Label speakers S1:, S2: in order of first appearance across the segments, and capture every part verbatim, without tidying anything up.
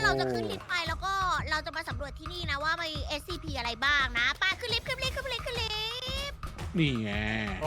S1: เราจะขึ้นลิฟต์ไปแล้วก็เราจะมาสำรวจที่นี่นะว่ามี เอส ซี พี อะไรบ้างนะไป้าขึ้นลิฟต์ขึ้นลิฟต์ขึ้นลิฟต์ขึ้นลิฟต์
S2: นี่ไง
S3: โอ้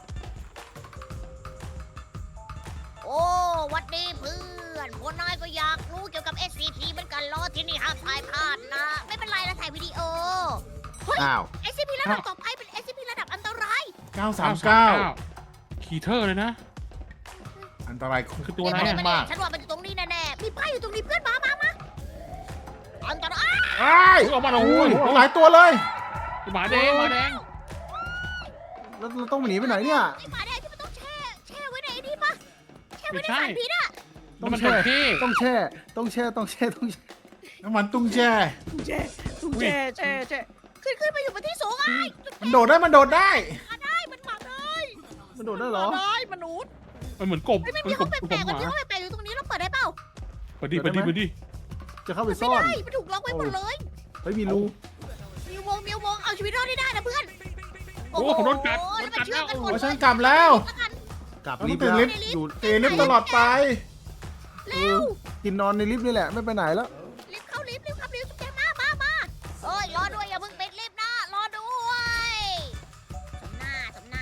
S1: โอ้วัดดีเพื่อนพวกนายก็อยากรู้เกี่ยวกับ เอส ซี พี เหมือนกันเหรอที่นี่ห้ามถ่ายพลาดนะ ไม่เป็นไรนะถ่ายวิดีโอ
S4: อ้าว
S1: เอส ซี พี ระดับต่อไปเป็น เอส ซี พี ระดับอันตราย
S3: เก้าสามเก้า
S2: คีเทอร์เลยนะ
S3: อันตราย
S2: คือตัวอะไร
S1: เดี๋ย
S2: อะ
S1: วๆๆ
S3: มาก
S1: ฉันว่ามันอยู่ตรงนี้แน่ๆมีป้ายอยู่ตรงนี้เพื่อนมามามาอันตราย
S3: ไอ้ย
S2: ออกมาแล้ว
S3: โอ้
S2: โอ้
S3: ย
S2: ย
S3: หลายตัวเลย
S2: หมาแดงหมาแดง
S4: แล้วเราต้องหนีไปไหนเนี่ย
S1: ไอ้หมาแดงที่มันต้องแช่แช่ไว้ในไอ้นี่ปะแช่ไว้
S2: ไม่
S1: ใน
S2: ใช่
S1: สารพิษอะ
S4: ต้อง
S2: มัน
S4: แช่
S2: เป็นที่
S4: ต้องแช่ ต้องแช่ ต้องแช่ ต้องแช่
S3: น้ำมันตุ้งแช่
S1: แช่แช่แช่แช่ขึ้นขึ้นไปอยู่บนที่สูงไอ้
S3: มันโดดได้มันโดดได้
S1: มาได้มันมาได้
S4: มันโดดได้เหรอ
S1: มาได้มนุษย์
S2: มันเหมือนกบ
S1: ไม่ไม่
S2: มั
S1: มี
S2: นก
S1: ห้อบ งแป
S2: กบ
S1: ลกๆ
S2: ห
S1: มัน
S2: มา
S1: มีห้องแปลกๆอยู่ตรงนี้เราเปิดได้เปล่า
S2: เปิดดิเปิดดิเปิดดิ
S4: จะเข้าไป
S1: ไม่
S4: ซ่อน
S1: ได้มันถูกล็อกไว้หมดเลย
S4: เฮ้ยมีรู
S1: มีวงมีวงเอาชีวิตรอดได้ได้นะเพื่อน
S2: โอ้ผมโดนกัด
S1: โอ้
S2: โด
S1: ย
S2: น
S1: มัน
S2: กัด
S1: เชื่
S2: แล้
S1: อ
S2: ว
S1: มกันหมด
S3: โอ้
S1: เลย
S3: ฉันกลับแล้ว
S1: แล้วกัน
S4: กลับ
S3: เรา
S4: ลิ
S3: ต้อ
S4: ฟ
S3: ง
S4: ต์
S3: ตื่น
S4: แล้ว
S3: ลิฟต์อยู่เตะลิฟต์ตลอดไป
S4: เออกินนอนในลิฟต์นี่แหละ ไม่ไปไหนแล้ว
S1: รีบเข้าลิฟต์รีบเข้าลิฟต์แกมามามาเอ้ยรอด้วยอย่าเพิ่งปิดลิฟต์นะรอด้วยสมหน้าสมหน้า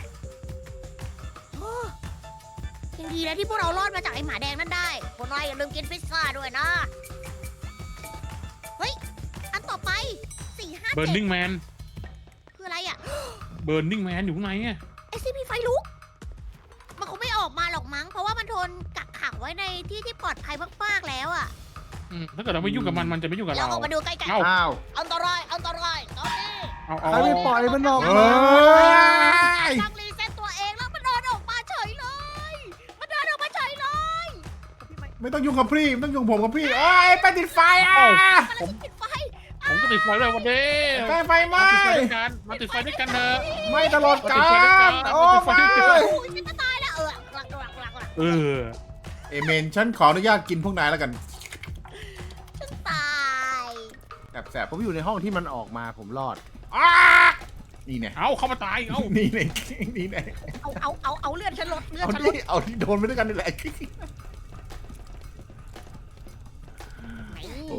S1: โอ้ยังดีนะที่พวกเรารอดมาจากไอ้หมาแดงนั่นได้พวกนายอย่าลืมกินพิซซ่าด้วยนะเฮ้ยอันต่อไปสี่ห้า
S2: เบิร์
S1: เจ็ด
S2: นิ่งแมน
S1: คืออะไรอ่ะ
S2: เบิร์นิ่งแมนอยู่ข้างในอะ
S1: เอสซีพีไฟลุก มันคงไม่ออกมาหรอกมั้ง เพราะว่ามันโดนกักขังไว้ในที่ที่ปลอดภัยมากๆแล้วอ่ะ
S2: อืมถ้าเกิดเราไม่ยุ่งกับมันมันจะไม่ยุ่งกับ
S1: เรา
S2: เรา
S1: ออกมาดูใกล้
S2: เอ้า
S4: อ้าว
S1: ๆอันตรายอันตรายตอนนี้
S2: เอาเอา
S4: ใครไม่ปล่อยมันออก
S3: เอ
S4: มา
S3: ้ย
S1: ตั้งรีเซ็ตตัวเองแล้วมันเดินออกมาเฉยเลย มันเดินออกมาเฉยเลย
S3: ไม่ต้องยุ่งกับพี่ไม่ต้องยุ่งผมกับพี่เอ้ยไปติดไฟอ่ะ
S1: มันปิดไฟ
S2: ผมก็ติดไฟด้วยวันนี้
S3: ไปไฟไห
S2: มา
S3: ม้
S2: ติดไฟด้วยกันมาติดไฟด้วยกันเถอะ
S3: ไม่ตลอดกาลโอ้ไม่
S1: โอ้ยฉันจะตายแล้วเออหลักหลักหลักหลัก
S2: เออ
S3: เอเมนฉันขออนุญาตกินพวกนายแล้วกัน
S1: ฉันตาย
S3: แสบ
S4: ผมอยู่ในห้องที่มันออกมาผมรอด
S3: ๆอ้านี่เนี่ย
S2: เอาเข้ามาตายเอา
S3: นี่เนี่ยนี่เนี่ย
S1: เอาเอาเอาเอาเลือดฉันลดเลือด
S3: เอา
S1: ฉันลด
S3: ที่เอาที่โดนไปด้วยกันนี่แหละโอ้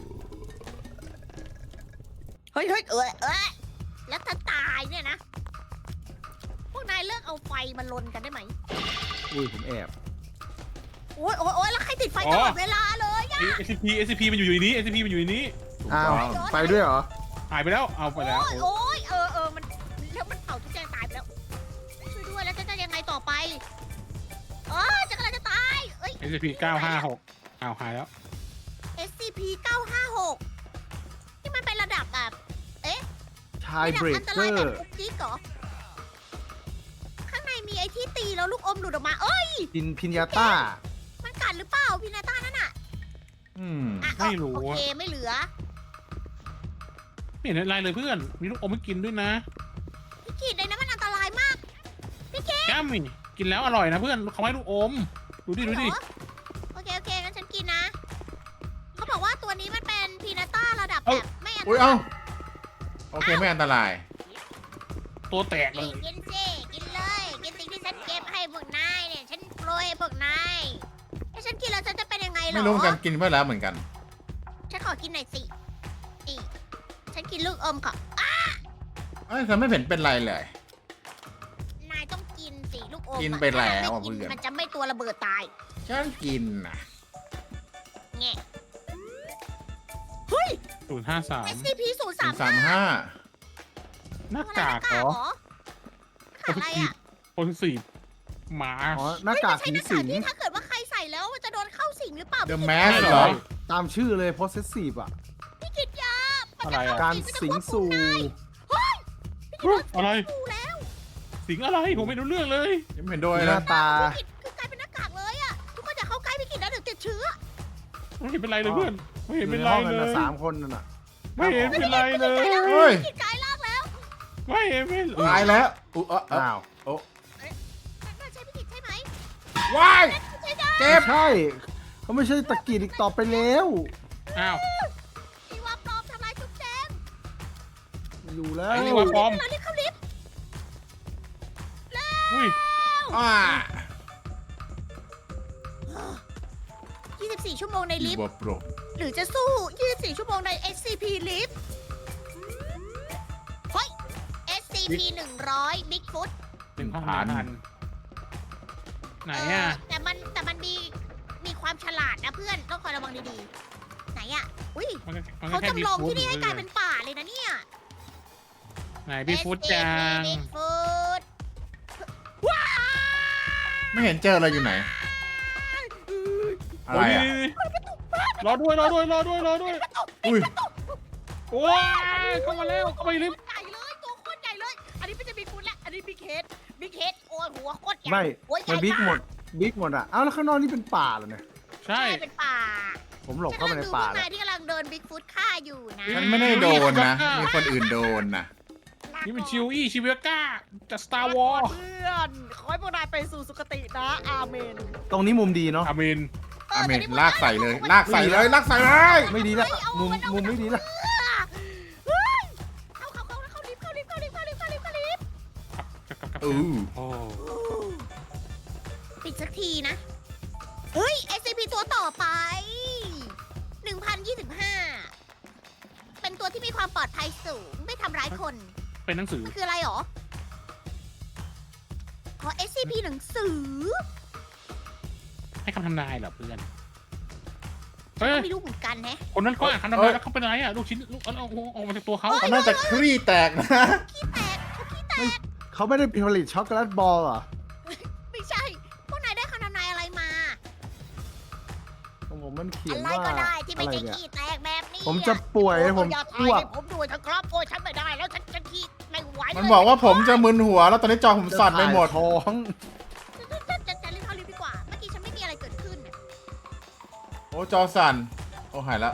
S1: เฮ้ยเฮ้ยเออเออแล้วถ้าตายเนี่ยนะ พวกนายเลิกเอาไฟมาลนกันได้ไหม
S4: อุ้ยผมแอบ
S1: โอ้ยโอ้ยโอ้ยแล้วใครติดไฟตลอดเวลาเลยอะ
S2: เอสพีเอสพีมันอยู่ในนี้เอสพีมันอยู่ในนี้
S4: อ้าวไปด้วยเหรอ
S2: หายไปแล้วเอาไปแล้ว
S1: โอ้ยโอ้ยเออเออมันแล้วมันเผาทุกแจงตายไปแล้ว ช่วยด้วยแล้วจะจะยังไงต่อไปเออจะกำลังจะตายเอ้ย
S2: เอสพีเก้าห้าหกเอาหายแล้ว
S1: เอส ซี พี เก้าห้าหกที่มันเป็นระดับแบบ
S4: ชาย
S1: ระดั
S4: เบร
S1: อั
S4: ก
S1: ต
S4: เก
S1: ราย
S4: อ
S1: แบบ
S4: ร์
S1: คุกกิ๊กเหรอ ข้างในมีไอ้ที่ตีแล้วลูกอมหลุดออกมา เอ้ย
S4: กินพิญญาต้า
S1: มันกัดหรือเปล่าพี่นาต้านั่นน่ะ
S3: อืม
S1: อ่ะ
S2: ไม่รู้
S1: โอ
S2: อะ
S1: เคไม่เหลือ
S2: ไม่เห็นอะไรเลยเพื่อนมีลูกอมให้กินด้วยนะ
S1: พี่กีดเลยนะมันอันตรายมาก
S2: แก้มนี่กินแล้วอร่อยนะเพื่อนเขาให้ลูกอมดูดิดูดิ
S1: เหรอโอเคโอเคงั้นฉันกินนะ เขาบอกว่าตัวนี้มันเป็นพีนาต้าระดับแบบไม่อันต
S3: อุ้ย
S1: รา
S3: เอ้าย โอเคไม่อันตราย
S2: ตัวแตกเล
S1: นี่
S2: ย
S1: กินสิกินเลย กินสิ่งที่ฉันเก็บให้พวกนายเนี่ย ฉันโปรยให้พวกนายถ้าฉันกินแล้วฉันจะเป็นยังไงเหรอ
S3: ไม่รู้เหมือนกันกินไปแล้วเหมือนกัน
S1: ฉันขอกินหน่อยสินี่ฉันกินลูกอมค่ะ
S3: เอ้ยฉันไม่เห็นเป็นไรเลย
S1: นายต้องกินสิลูกอมอะ
S3: กินไปแล้วอะ
S1: ถ้านายไม่กิน
S3: เพื่อน
S1: มันจะไม่ตัวระเบิดตาย
S3: ฉันกินนะ
S1: แง่เฮ้ย
S2: ศูนย์ห้าสาม
S1: เอส ซี พี ศูนย์สาม
S3: สามห้า
S2: หน้ากากเหรอ
S1: หน้ากากอะไรอ่ะ
S2: คนสี่หมา
S4: อ๋อ หน้ากาก
S1: เฮ้ย
S4: ผี
S1: มันใช่
S4: สิ
S1: ห
S4: ง
S1: น้ากากที่ถ้าเกิดว่าใครใส่แล้วมันจะโดนเข้าสิงหรือเปล่า
S3: เดอะ
S1: พี่
S3: แม
S1: กิ
S3: ส
S1: ต
S3: เหรอ
S4: ตามชื่อเลย possessive อ่ะ
S1: พี่กิตยามันจ
S2: อะไรอะ
S1: เข้
S4: การ
S1: มันจะ
S4: สิง
S1: ควบคุ
S4: สู่
S1: มนายเฮ้ยพี่กิต
S2: อะไร
S1: ดูแล้ว
S2: สิงอะไรผมไม่รู้เรื่องเลย
S3: ยังไม่เห็นด้วย
S4: ห
S3: เล
S4: น้าย ตา
S1: พี่กิตคือกลายเป็นหน้ากากเลยอ่ะทุกคนอย่าเข้าใกล้พี่กิตนะเดี๋ยวติดเชื้อ
S2: ไม่เห็นเป็นไรเลยเพื่อนไม่
S4: อ
S2: เห็น
S4: ยู่
S2: เป็น
S4: ใน
S2: ไร
S4: ห้อง
S2: เล
S4: นั้น
S2: ย
S4: นะสามคนนั่นน่ะ
S2: ไม่เห็นเป็นไรเลย
S3: เฮ้ย
S1: พี่กิตกลายร่างแล้ว
S2: ไม่เห็นเป็น
S3: ตายแล้วอุ๊ยเอ้อเอ้อ
S4: อ้าว
S1: นั่นใช่พี่กิตใช่ไหม
S3: ว้าย
S1: ใช่ได้
S3: เจ็บ
S4: ใช่ เขาไม่ใช่ตะกีดอีกต่อไปแล้ว
S2: อ้าว
S1: อีวาปลอมทำลายจุ๊บแจง
S4: ไม่อยู่แล้ว
S2: ไอ้นี่ว่าปลอม
S1: เราเรียกเข้าลิฟต์
S2: อุ้ย
S3: อ่า
S1: ยี่สิบสี่ ชั่วโมงในลิฟต์
S3: บัวโปร
S1: หรือจะสู้ ยี่สิบสี่ ชั่วโมงใน เอส ซี พี ลิฟต์เฮ้ย เอส ซี พี หนึ่งร้อย Bigfoot
S2: หนึ่งพันไหนอ่ะ
S1: เแต่มันแต่มันมีมีความฉลาดนะเพื่อนต้องคอยระวังดีๆ ไหนอ่ะ อุ้ย
S2: มันก็มันก็
S1: เขา
S2: แค่
S1: จำลอง
S2: Bigfoot
S1: ที่นี่ให้กลายเป็นป่าเลยนะเนี่ย
S2: ไหนพี่ฟุตจัง
S1: Bigfoot
S3: ไม่เห็นเจออะไรอยู่ไหน อะไรอ่ะ
S2: รอด้วยรอด้วยรอด้วยรอด้วย
S3: อุ้ย
S2: โอ้ยเข้ามาแล้วเข้ามาอีกลิฟต์
S1: ใหญ่เลยตัวโคตรใหญ่เลย อันนี้ไม่ใช่บิ๊กฟุตแล้วอันนี้บิ๊กเฮดบิ๊กเฮดโอ้ยหัวโคตรใหญ่
S4: ไม่
S1: หัวใหญ่
S4: มันบิ๊ก
S1: า
S4: หมดบิ๊กหมดอ่ะเอ้าแล้วข้างนอกนี่เป็นป่าเหรอเนี่ย
S2: ใช่
S1: ใช่เป็นป่า
S4: ผมหลบเข้าไปในป่า
S1: ฉันกำลังดูพวก
S4: แล้
S1: นายว ที่กำลังเดินบิ๊กฟุตฆ่าอยู่นะ
S3: ฉันไม่ได้โดนนะ มีคนอื่นโดนนะ
S2: นี่มันชิวอี้ชิเวก้าจากสตาร์วอร์
S1: เพื่อนขอให้พวกนายไปสู่สุคตินะอาเมน
S4: ตรงนี้มุมดีเนาะ
S2: อามิน
S3: อาเมนลากใส่เลย ลากใส่เลย ลากใส่เลย
S4: ไม่ดีแล้วมุมมุมไม่ดีแล้ว
S1: เฮ้ยเข้าเข้าเข้าเข้าลิฟต์เข้าลิฟต์เข้าลิฟต์เข้าลิฟต์เข้าลิฟต์เข้าลิฟต์
S3: อู้
S2: โอ้
S1: ปิดสักทีนะ เฮ้ย เอส ซี พี ตัวต่อไป หนึ่งพันยี่สิบห้า เป็นตัวที่มีความปลอดภัยสูง ไม่ทำร้ายคน
S2: เป็นหนังสือ
S1: มันคืออะไรหรอ ขอ เอส ซี พี หนังสือ
S2: ให้คำทำนายเหรอเพื่อนเฮ้ย
S1: ไม่รู้เหมือนกันแฮะ
S2: คนนั้นก็อ่านคำทำนายแล้วเขาเป็นอะไรอ่ะลูกชิ้นลูกเอาเอาออกมาจากตัวเขา
S3: เขาน่าจะคลี่แตกนะ
S1: ขี้แตกเขาขี้แตก
S4: เขาไม่ได้ผลิตช็อกโกแลตบอลเหรอ
S1: ไม่ใช่ พวกนายได้คำทำนายอะไรมา
S4: ของผมมันเขีย
S1: อะ
S4: น
S1: ไร
S4: ว่า
S1: ก็ได้ที่
S4: อะ
S1: ไม่
S4: ไร
S1: ใช่
S4: เนี่ย
S1: ขี้แตกแบบนี้
S4: ผมจะป่วย
S1: โอ้
S4: ผม
S1: อย่า
S4: อ้
S1: ทายว
S4: ก
S1: ให้ผมด้วยเถอะครับโอ้ยฉันไม่ได้แล้วฉันจะขี้ไม่ไหวเลย
S3: มันบอกว่าผมจะมึนหัว แล้วตอนนี้จอผมสั่นไปหมด
S4: จะถ่ายท้อง
S1: จะจะจะรีบเข้าลิฟต์ดีกว่า เมื่อกี้ฉันไม่มีอะไรเกิดขึ้นน่ะ
S3: โอ้จอสั่น โอ้หายละ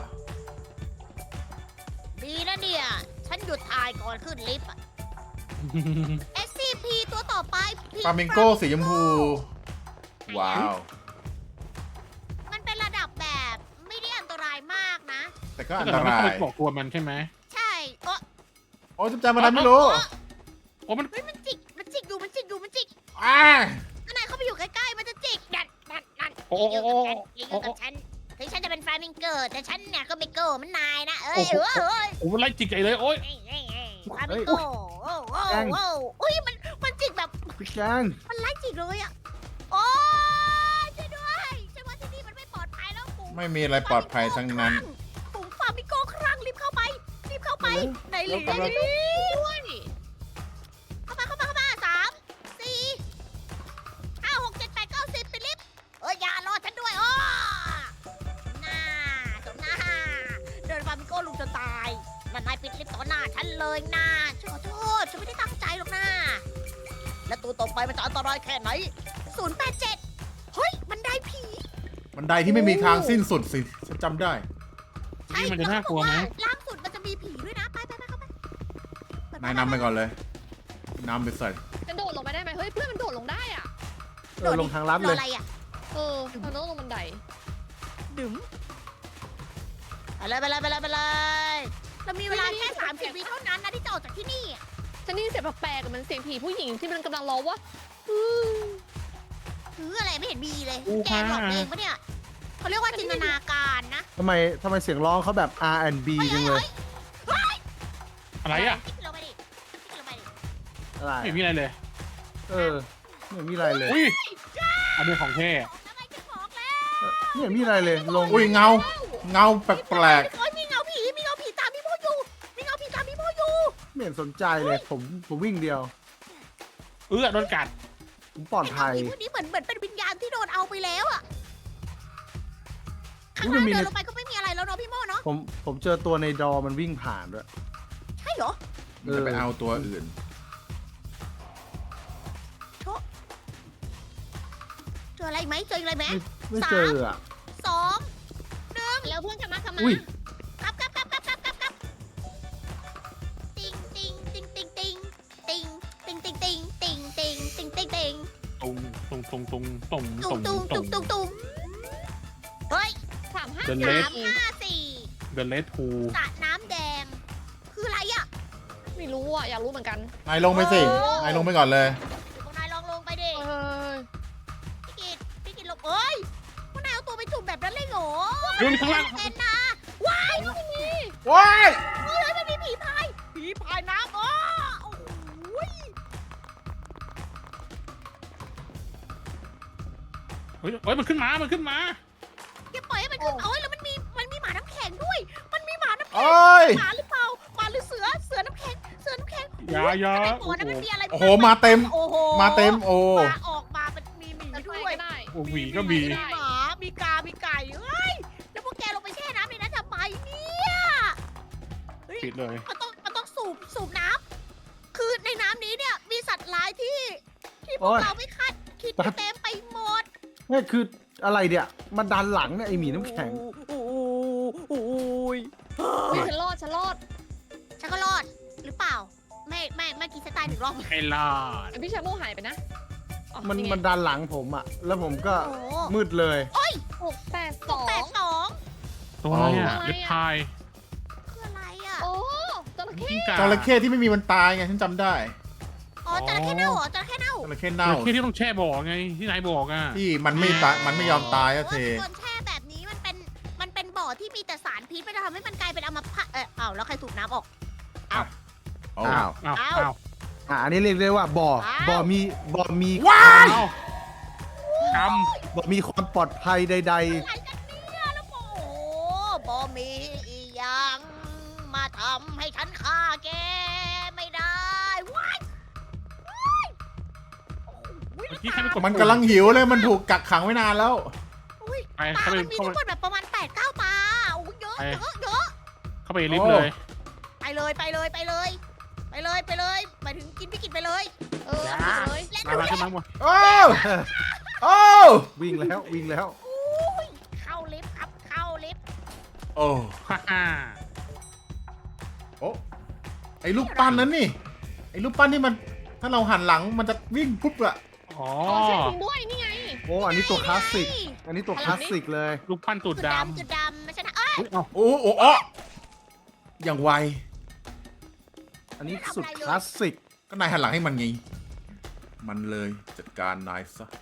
S1: ดีนะเนี่ย ฉันหยุดถ่ายก่อนขึ้นลิฟต์อะ เอส ซี พี ตัวต่อไป
S3: ฟามิงโก้สีชมพู ว้าว
S1: มันเป็นระดับแบบไม่ได้อันตรายมากนะ
S3: แต่ก็
S2: ถ้า
S3: อัน
S2: เกิด
S3: ต
S2: เราไม่
S3: รา
S2: เข้าย ไปบอกตัวมันใช่ไหม
S1: ใช่เออ
S3: โอ้จุ๊บแจมอะไรไม่รู้
S2: โอ้มัน
S1: เฮ้ยมันจิก มันจิกอยู่ มันจิกอยู่ มันจิก
S3: อ้า
S1: ถ้านายเข้าไปอยู่ใกล้ๆ มันจะจิกนั่นนั่นนั่น
S2: โอ้
S1: อย่า
S2: โอ้
S1: อยู่
S2: โอ้
S1: กับฉันอย่าอยู่กับฉันถึงฉันจะเป็นฟลามิงโกแต่ฉันเนี่ยก็ไม่โก้เหมันนายนะ เอ้ย
S2: โอ้
S1: เอ้
S2: โห
S1: ยเอ้ย
S2: โอ้มันไล่จิกใหญ่เลยโอ้ย
S1: เอ้ยเอ้ยเอ้ยฟลามิงโกโอ้โหโอ้โหอุ้ยมันมันจิกแบบ
S4: พี่แกง
S1: มันไล่จิกเลยอ่ะ โอ้ยช่วยด้วยฉันว่าที่นี่มันไม่ปลอดภัยแล้วฝูง
S3: ไม่มีอะไรปลอดภัยทั้งนั้น
S1: ฝูงฟามิงโกครั่งรีบเข้าไป รีบเข้าไป ในลิฟต์
S3: เรากำลัง
S1: ด้วยเข้ามาเข้ามาเข้ามาสามสี่ห้าหกเจ็ดแปดเก้าสิบไปลิฟต์เอออย่ารอฉันด้วยโอ้หน้าสมหน้าเดินฟามิงโกลุงจะตายนั่นนายปิดลิฟต์ต่อหน้าฉันเลยนะฉันขอโทษฉันไม่ได้ตั้งใจหรอกนะและตัวต่อไปมันจะอันตรายแค่ไหนศูนย์แปดเจ็ดเฮ้ยมันได้ผี
S3: บันไดที่ไม่มีทางสิ้นสุดสิ ฉันจำได้
S2: นี่มันจะน่ากลัวไหม
S1: ล่างสุดมันจะมีผีด้วยนะไปไปไปเข้าไป
S3: นายนำไปก่อนเลยนำไปใส่
S5: จะโดดลงไปได้ไหมเฮ้ยเพื่อนมันโดดลงได้อ่ะ
S4: เออลงทางลัด
S1: ร
S4: เล
S1: อย อะไรอ่ะ
S5: เออมันต้องลงบันได
S1: ดึ๋มไปเลยไปเลยไปเลยไปเลยเรามีเวลาแค่สามสิบวิเท่านั้นนะที่จะออกจากที่นี่อะ
S5: ฉันได้ยินเสียงแปลกๆอะมันเสียงผีผู้หญิงที่มันกำลังร้องว่า
S1: ถืออะไรไม่เห็นมีเลย
S2: อู้
S1: แกหลอกเองปะเนี่ยเขาเรียกว่าจินตนาการนะ
S4: ทำไมทำไมเสียงร้องเขาแบบ อาร์ แอนด์ บี จังเลย
S2: อะไรอ่ะ
S1: คิดลงไปดิคิดลงไปดิ
S4: อะไร
S2: ไม่มีอะไรเลย
S4: เออไม่เห็นมีอะไรเลย
S2: อุ้ยอันนี้ของแท้
S1: ทำไมจะบอกแล้ว
S4: ไม่เห็นมีอะไรเลยลง
S3: อุ้ยเงา เงาแปลก
S1: โอ้ยมีเงาผีมีเงาผีตามพี่โมอยู่มีเงาผีตามพี่โมอยู่
S4: ไม่เห็นสนใจเลยผมผมวิ่งเดียว
S2: เออโดนกัด
S4: ผมปลอดภัย
S1: ไเงาผีพวกนี้เหมือนเหมือนเป็นวิญญาณที่โดนเอาไปแล้วอะข้าง
S4: อุ๊ยมั
S1: ล่าง
S4: นมี
S1: เดิน
S4: ใน
S1: ลงไปก็ไม่มีอะไรแล้วเนาะพี่โมเนาะ
S4: ผมผมเจอตัวในดอมันวิ่งผ่านด้วย
S1: ใช่เหรอ
S3: ๆ มันจะไปเอาตัวอื่น
S1: เจออะไรไหมเจออะไรไหม
S4: ไม่ไม่เจออ่ะ
S1: สองหนึ่ง
S5: แล้วเพื่อนกลับมากลับมา
S4: อุ้ย
S1: กลับกลับกลับกลับกลับกลับกลับติงติงติงติงติงติงติงติงติงติงติงติงติงติง
S2: ตุงตุงตุงตุงตุง
S1: ตุ
S2: ตุ
S1: ง
S2: ง
S1: ตุงตุงตุงตุงเฮ้ย
S5: สามห้า
S2: เดิน
S5: สา
S2: เล็
S1: สาม มห้าสี่
S2: เดอะเลดฮู
S1: สระน้ำแดง คืออะไรอ่ะ
S5: ไม่รู้อ่ะอยากรู้เหมือนกัน
S3: นายลงไปสิ นายลงไปก่อนเลย
S1: เดี๋ยวพวกนายลองลงไปดิ
S5: เออ
S1: พี่กิตพี่กิตลงเอ้ยพวกนายเอาตัวไปจุ่มแบบนั้นเลยเหรอ
S2: ดูนี่ข้างล่าง
S1: เป็นนะว้ายไม่มี
S3: ว้าย
S1: เฮ้ยมันมีผีพายผีพายน้ำอ๋อโอ้ย
S2: เฮ้ยเฮ้ยมันขึ้นมา มันขึ้นมา
S1: อย่าปล่อยให้มันขึ้นโอ้ยแล้วมันมีมันมีหมาน้ำแข็งด้วย มันมีหมาน้ำแข็ง
S3: โอ้ย
S1: หมาหรือเปล่าหมาหรือเสือเสือน้ำแข็งเสือน้ำแข็ง
S2: อย่าอย่า
S1: ในบ่อนั้นมันมีอะไร
S3: โอ้โหมาเต็ม
S1: โอ้โห
S3: มาเต็มโอ้
S1: ปลาออกมามันมีหมี
S5: จะ
S1: ด้
S5: ช่วย
S1: วย
S5: ก็ได้
S2: โอ้หวีก็มี
S1: มีหมา มีกา มีไก่เฮ้ย แล้วพวกแกลงไปแช่น้ำในนั้นทำไมเนี่ยเฮ้ย
S2: ปิดเลย
S1: มันต้อง มันต้องสูบ สูบน้ำ คือในน้ำนี้เนี่ย มีสัตว์ร้ายที่ ที่พ
S4: โอ้
S1: วก
S4: ย
S1: เราไม่คาดคิดเต็มไปหมด
S4: นี่คืออะไรเนี่ยมันดันหลังเนี่ยไอหมีน้ำแข็ง
S1: โอ้โหโอ้ย
S5: เฮ้ยฉันรอดฉันรอด
S1: ฉันก็รอด หรือเปล่า ไม่ ไม่เมื่อกี้ฉันตายหนึ่งรอบ
S2: ไม่รอด
S5: ไอพี่ชาโมหายไปนะอ๋อ
S4: มัน
S5: ไง
S4: มันดันหลังผมอะแล้วผมก็
S1: โอ้โห
S4: มืดเลย
S5: หกแปดสอง
S1: แปดสอง
S2: ตัวอะไรอ่ะ
S5: อะไรอ่ะ
S2: ลิปพาย
S1: คืออะไรอ่ะ
S5: โอ้จระเข้
S2: กิ้งก่า
S3: จระเข้ที่ไม่มีวันตายไงฉันจำได้
S1: อ๋อจระเข้เน่าเหรอจระเข้เน่า
S3: จระเข้
S2: จ
S3: เน่า
S2: ระเข้ที่ต้องแช่บ่อไง ที่นายบอกอ่ะ
S3: ที่มันไม่ตายมันไม่ยอมตายอะเท
S1: โอ้ยโดนแช่แบบนี้มันเป็น มันเป็นบ่อที่มีแต่สารพิษมันจะทำให้มันกลายเป็นอัมพาตเอออ้าวแล้วใครสูบน้ำออก
S3: โอ้
S4: อ้าว
S2: อ้าว
S1: อ้าว
S2: อ้าว
S4: อ่ะอันนี้เรียกได้ว่าบ่อ
S1: อ้าว
S4: บ่อมีบ่อมี
S3: ว้าย
S2: อ้าวก
S4: บ่อมีความปลอดภัยใด
S1: อะไรกันเนี่ยแล้วโอ้โหบ่มีอีหยังมาทำให้ฉันฆ่าแกไม่ได้ว้ายว้ายโอ้โห
S2: ำเมื่อกี้ใครไปกด
S3: มันกำลังหิวเลยมันถูกกักขังไว้นานแล้ว
S1: อุ้ย
S2: ไป
S1: ตา
S2: เข้าไป
S1: มันมี
S2: เข้า
S1: ทั้ง
S2: ไป
S1: หมดแบบประมาณแปดเก้าตาโอ้โหเยอะ
S2: ไป
S1: เยอะเยอะ
S2: เข้าไปลิฟต์เลย
S1: ไปเลยไปเลยไปเลย ไปเลยไปเลยหมายถึงกินพี่กินไปเลย
S5: เออเอาไปเลย
S1: และ
S2: มา
S1: ดู
S2: มา
S1: แล
S2: ขึ้นมาหมด
S3: โอ้โอ้
S4: ๆ วิ่งแล้ววิ่งแล้ว
S1: อุ้ยเข้าลิฟต์ครับเข้าลิฟต์
S3: โอ้
S2: ฮ่าฮ่า
S3: โอ้ไอ้รูปปั้นนั้นนี่ไอ้รูปปั้นที่มันถ้าเราหันหลังมันจะวิ่งปุ๊บอะ
S2: อ๋อ
S5: อ๋อใช่จริงด้วยนี่ไง
S4: โอ้อันนี้ตัวคลาสสิก อันนี้ตัวคลาสสิกเลย
S2: ลูกพันตูด
S1: จุด
S2: ด
S1: ดำจุดดำไม่ใช่นะเอ้ย
S2: ำอุ๊ยเอ้า
S3: โอ้โอ้โอ้อย่างไว
S4: อันนี้สุดคลาสสิก
S3: ก็นายหันหลังให้มันไงมันเลยจัดการนายซะ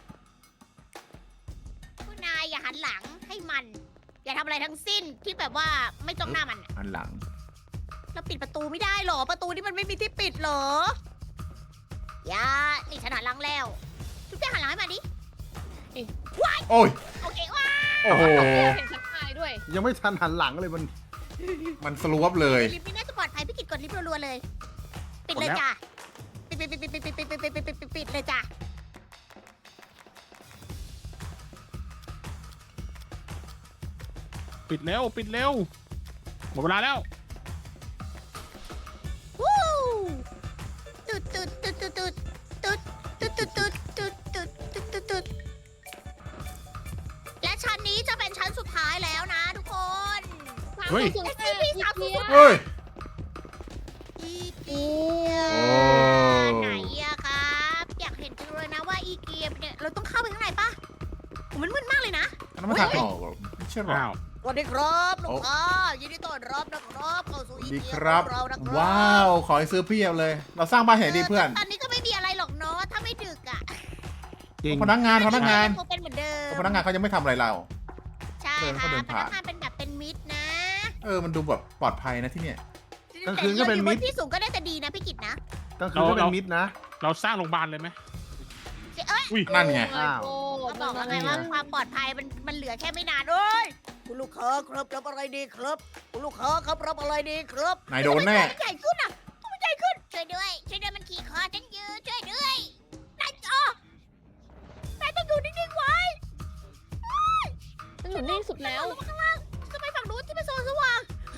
S1: คุณนายอย่าหันหลังให้มัน อย่าทำอะไรทั้งสิ้นที่แบบว่าไม่จ้องหน้ามันอะ
S3: หันหลัง
S1: เราปิดประตูไม่ได้หรอประตูนี่มันไม่มีที่ปิดเหรออย่านี่ฉันหันหลังแล้วทุกอย่างหันหลังให้มาดิ
S3: โอ้ย
S1: โอเคว้า
S3: โอ้โห
S5: เห็นฉันตายด้วย
S4: ยังไม่ทันหันหลังเลยมัน
S3: มันสลวบเลย
S1: ลิฟต์นี่น่าจะปลอดภัยพี่กิดกดลิฟต์รัวๆเลย ปิดเลยจ้ะปิดปิดปิดปิดปิดปิดปิดปิดปิดปิดปิดปิดเลยจ้ะ
S2: ปิดเร็ว ปิดเร็ว หมดเวลาแล้ว
S1: วู้ตุ๊ดตุ๊ดตุ๊ดตุ๊ดตุ๊ดตุ๊ดตุ๊ดตุ๊ดตุ๊ดตุ๊ดตุ๊ดตุ๊ดตุ๊ดและชั้นนี้จะเป็นชั้นสุดท้ายแล้วนะทุกคน
S2: เฮ้ย
S5: สามศูนย์แปด
S1: SCP สามศูนย์
S3: เฮ้ย
S1: อีเกีย
S3: โอ้
S1: ไหนอะครับ อยากเห็นจังเลยนะว่าอีเกียเนี่ยเราต้องเข้าไปข้างในปะโหมันมืดมากเลยนะ
S3: อันนั้นมันทางออกเหรอไม่ใช่หรอ
S2: อ้าว
S1: สวัสดีครับลูกค้ายินดีต้อนรับนะครับเข้าสู่อี
S3: ดี
S1: เกีย
S3: ครับ
S1: ของเรานะครับ
S3: ว้าว ขอให้ซื้อเพียบเลย เราสร้างบ้านแห่งดีเพื่อน
S1: ตอนนี้ก็ไม่มีอะไรหรอกเนาะถ้าไม่ดึกอะ
S4: จริง
S3: พนักงานพนักงาน
S1: คงเป็นเหมือนเดิม
S3: พนักงานเขายังไม่ทำอะไรเรา
S1: ใช่
S3: เดิน
S1: ค่ะ
S3: เขาเดิน
S1: พ
S3: ผ่าน
S1: นักงานเป็นแบบเป็นมิตรนะ
S3: เออ มันดูแบบปลอดภัยนะที่เนี่ย
S4: กลางคืนก็เป็นมิตร
S1: แต่อยู่บที่สูงก็ได้แต่ดีนะพี่กิตนะ
S4: ก็คือก็เป็นมิดนะ
S2: เราสร้างโรงพยาบาลเลยไหม
S1: เอ้ย
S2: อุ้ย
S3: นั่นไง
S4: อ้าว
S5: โอ้
S1: เขาบอกแล้วไง
S4: นั่นไง
S1: ว่าความปลอดภัยมันมันเหลือแค่ไม่นานเอ้ยคุณลูกค้าครับรับอะไรดีครับคุณลูกค้าครับรับอะไรดีครับ
S3: นายโดนแน่
S1: ทำไมตัวมันใหญ่ขึ้นอ่ะตัวมันใหญ่ขึ้นช่วยด้วยช่วยด้วยมันขี่คอฉันยืนช่วยด้วยนายอ๋อนายต้องอยู่นิ่งๆไว้
S5: มันอยู่นิ่งสุดแล้ว
S1: ลงมาข้างล่างจะไปฝั่งนู้นที่เป็นโซนสว่าง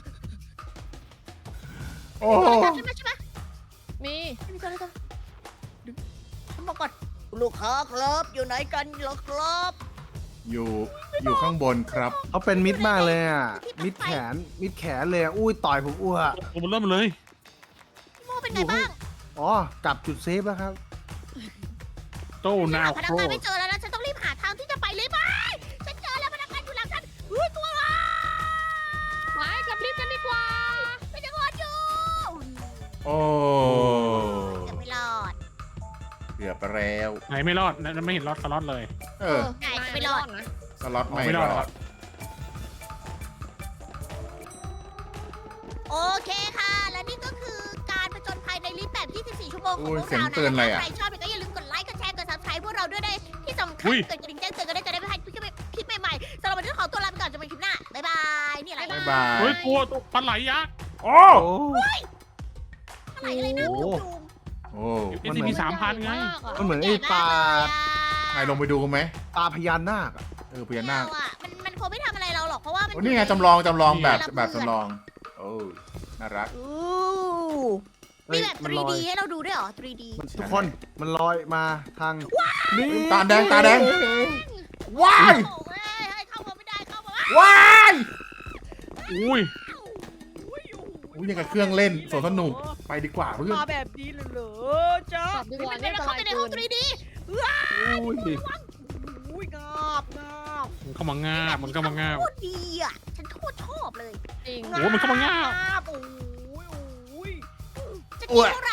S3: โอ้
S1: ใช่ไหมใช่ไหม
S5: มี
S1: ไม่มีตัวอะไรตัวฉันบอกก่อนลูกค้าครับอยู่ไหนกันเหรอครับ
S3: อยู่ อยู่ข้างบนครับ
S4: เขาเป็นมิดมากเลยอ่ะ มิดแขน มิดแขนเลยอะอุ้ยต่อยผมอ้ว
S2: โอ้มันเริ่มเลย
S1: พี่โมเป็นไงบ้าง
S4: อ๋อกลับจุดเซฟแล้วครับ
S2: โต้นาว
S1: พ
S2: โค
S1: นักงานไม่เจอแล้วนะฉันต้องรีบหาทางที่จะไปเลยไหมฉันเจอแล้วพนักงานอยู่หลังฉันเฮ้ยตัวอะไร
S5: ไปกลับรีบกันดีกว่า
S1: ไม่จะรอดอยู่
S3: โอ้
S1: จะไม่รอด
S3: เกือบไปแล้ว
S2: ไหนไม่รอดนะไม่เห็นรอดสล็อตเลย
S3: เออ
S1: ไหนจะไม่รอด
S5: นะ
S3: สล็อตไม่
S2: ไม่
S3: ร
S2: รอด
S3: อ
S2: ครั
S3: ด
S2: บ
S1: โอเคค่ะ และนี่ก็คือการผจญภัยในลิฟต์แบบ ยี่สิบสี่ ชั่วโมงของ
S3: โอ้ย
S1: พวก
S3: เสียง
S1: เรา
S3: เตือนอะไร
S1: นะ
S3: อะ
S1: ใครชอบก็อย่าลืมกดไลค์ กดแชร์ กด ซับสไครบ์ พวกเราด้วยนะที่สำคัญ
S2: อุ้ย
S1: กดกระดิ่งแจ้งเตือนกันได้จะได้ไม่พลาดคลิปคลิปใหม่ๆสำหรับวันนี้ขอตัวลาไปก่อนจนเป็นคลิปหน้า บ๊ายบาย นี่อะไร
S3: บ๊ายบาย
S2: เฮ้ยตัวตัวปลาไหลยักษ์
S3: โอ้
S4: โอ้
S1: อะไรอะไรนะ
S4: โอ้
S1: จุ
S4: โห
S1: ง
S3: โอ้
S2: เอสซีพีสามพันไง
S4: มันเหมือนไอ้ปลา
S3: นายลงไปดูกันไหม
S4: ปลาพญานาคอะ
S3: เออพญานาค
S1: อ่ะมันมันคงไม่ทำอะไรเราหรอกเพราะว่ามัน
S3: โอ้นี่ไงจำลองจำลองแบบ
S1: นี่
S3: แบบจำลอง โอ้น่ารัก
S1: อู้
S4: เฮ้
S1: มี
S4: ย
S1: แบบ
S4: มัน
S1: ทรี
S4: ลอย
S1: ดี ให้เราดูด้วยเหรอ ทรีดี
S4: มันทุกคนมันลอยมาทางนี่
S3: ตาแดงตาแดง ว้าย
S1: โอ้ยเฮ้ยเข้ามาไม่ได้เข้ามา
S3: ว้าย
S2: อุ้ย
S3: อุ้ยยังกับเครื่องเล่นสวนสนุกไปดีกว่าเพื่อน
S1: มาแบบนี้เลยเหรอจ๊ะ
S5: กลับดีกว่า
S1: ไม่
S5: เนี่ย
S1: ได้
S5: อันต
S1: เข้าร
S5: าย
S1: ไปใน
S5: เกิ
S1: ห้อง
S5: น
S1: ทรีดี
S4: อุ้ย
S1: อุ้ยงาบงาบ
S2: มันเข้ามางาบมันเข้ามางาบ
S1: โคตรดีอ่ะ ฉันโคตรชอบเลย
S5: จริง
S2: โอ้มันเข้ามางาบ
S1: โอ้ยโอ้ยจะกินเท่าไหร่